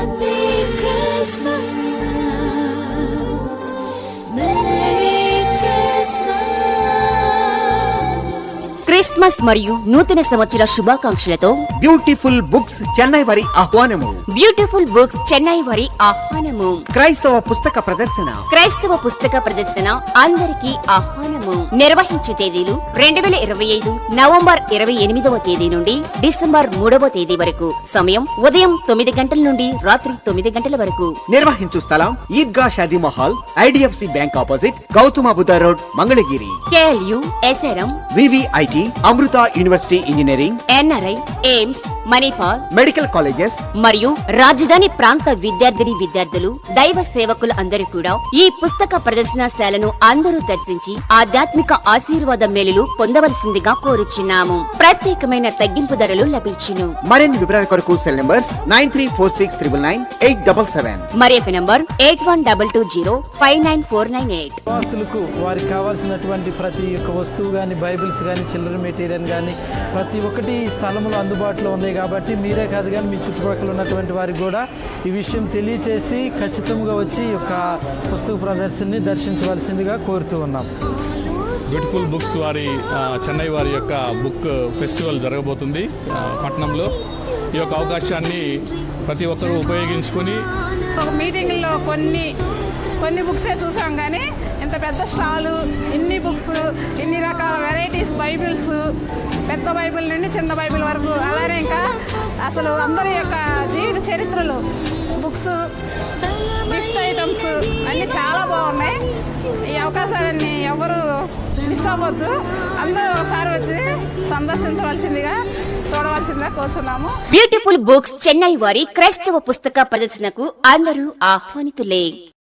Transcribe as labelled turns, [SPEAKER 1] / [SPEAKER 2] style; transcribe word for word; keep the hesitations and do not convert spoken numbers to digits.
[SPEAKER 1] Christmas మరియు నూతన సంవత్సర శుభాకాంక్షలతో
[SPEAKER 2] బ్యూటిఫుల్ బుక్స్ చెన్నై వారి ఆహ్వానము.
[SPEAKER 1] బ్యూటిఫుల్ బుక్స్ చెన్నై వారి ఆహ్వానము.
[SPEAKER 2] క్రైస్తవ పుస్తక ప్రదర్శన.
[SPEAKER 1] క్రైస్తవ పుస్తక ప్రదర్శన అందరికీ ఆహ్వానము. నిర్వహించే తేదీలు రెండు వేల ఇరవై ఐదు నవంబర్ ఇరవై ఎనిమిదవ తేదీ నుండి డిసెంబర్ మూడవ తేదీ వరకు. సమయం ఉదయం తొమ్మిది గంటల నుండి రాత్రి తొమ్మిది గంటల వరకు.
[SPEAKER 2] నిర్వహించు స్థలం Eidgah Shadi Mahal, IDFC bank opposite, Gautama Buddha road, Mangalagiri.
[SPEAKER 1] KLU, SRM,
[SPEAKER 2] VVIT, Amrita university engineering,
[SPEAKER 1] NRI, AIIMS, Manipal
[SPEAKER 2] medical colleges
[SPEAKER 1] మరియు రాజధాని ప్రాంత విద్యార్థిని విద్యార్థులు, దైవ సేవకులు అందరూ కూడా ఈ పుస్తక ప్రదర్శనశాలను అందరూ దర్శించి ఆధ్యాత్మిక ఆశీర్వాద మేలులు పొందవలసిందిగా కోరుచున్నాము. ప్రత్యేకమైన తగ్గింపు ధరలు లభించును.
[SPEAKER 2] మరిన్ని వివరాల కొరకు cell numbers nine three four six triple nine eight double seven
[SPEAKER 1] మరి యొక్క number eight one double two zero five nine four nine eight.
[SPEAKER 3] వాసులకు వారికి కావాల్సినటువంటి ప్రతి ఒక్క వస్తువు కానీ, బైబిల్స్ కానీ, చిల్లర మెటీరియల్ కానీ ప్రతి ఒక్కటి ఈ స్థలంలో అందుబాటులో ఉన్నాయి. కాబట్టి మీరే కాదు కానీ మీ చుట్టుపక్కల ఉన్నటువంటి వారికి కూడా ఈ విషయం తెలియచేసి ఖచ్చితంగా వచ్చి ఈ యొక్క పుస్తక ప్రదర్శనని దర్శించవలసిందిగా కోరుతూ ఉన్నాం.
[SPEAKER 4] బ్యూటిఫుల్ బుక్స్ వారి చెన్నై వారి యొక్క బుక్ ఫెస్టివల్ జరగబోతుంది పట్టణంలో. ఈ యొక్క అవకాశాన్ని ప్రతి ఒక్కరూ ఉపయోగించుకొని
[SPEAKER 5] ఒక మీటింగ్లో కొన్ని కొన్ని బుక్సే చూసాం కానీ ఇంత పెద్ద స్టాలు, ఇన్ని బుక్స్, ఇన్ని రకాల వెరైటీస్, బైబిల్స్, పెద్ద బైబిల్ నుండి చిన్న బైబిల్ వరకు, అలానే ఇంకా అసలు అందరి యొక్క జీవిత చరిత్రలు, బుక్స్, గిఫ్ట్ ఐటమ్స్ అన్నీ చాలా బాగున్నాయి. ఈ అవకాశాలన్నీ ఎవరు మిస్ అవ్వద్దు. అందరూ ఒకసారి వచ్చి సందర్శించవలసిందిగా, చూడవలసిందిగా కోరుచున్నాము.
[SPEAKER 1] బ్యూటిఫుల్ బుక్స్ చెన్నై వారి క్రైస్తవ పుస్తక ప్రదర్శనకు అందరూ ఆహ్వానితులే.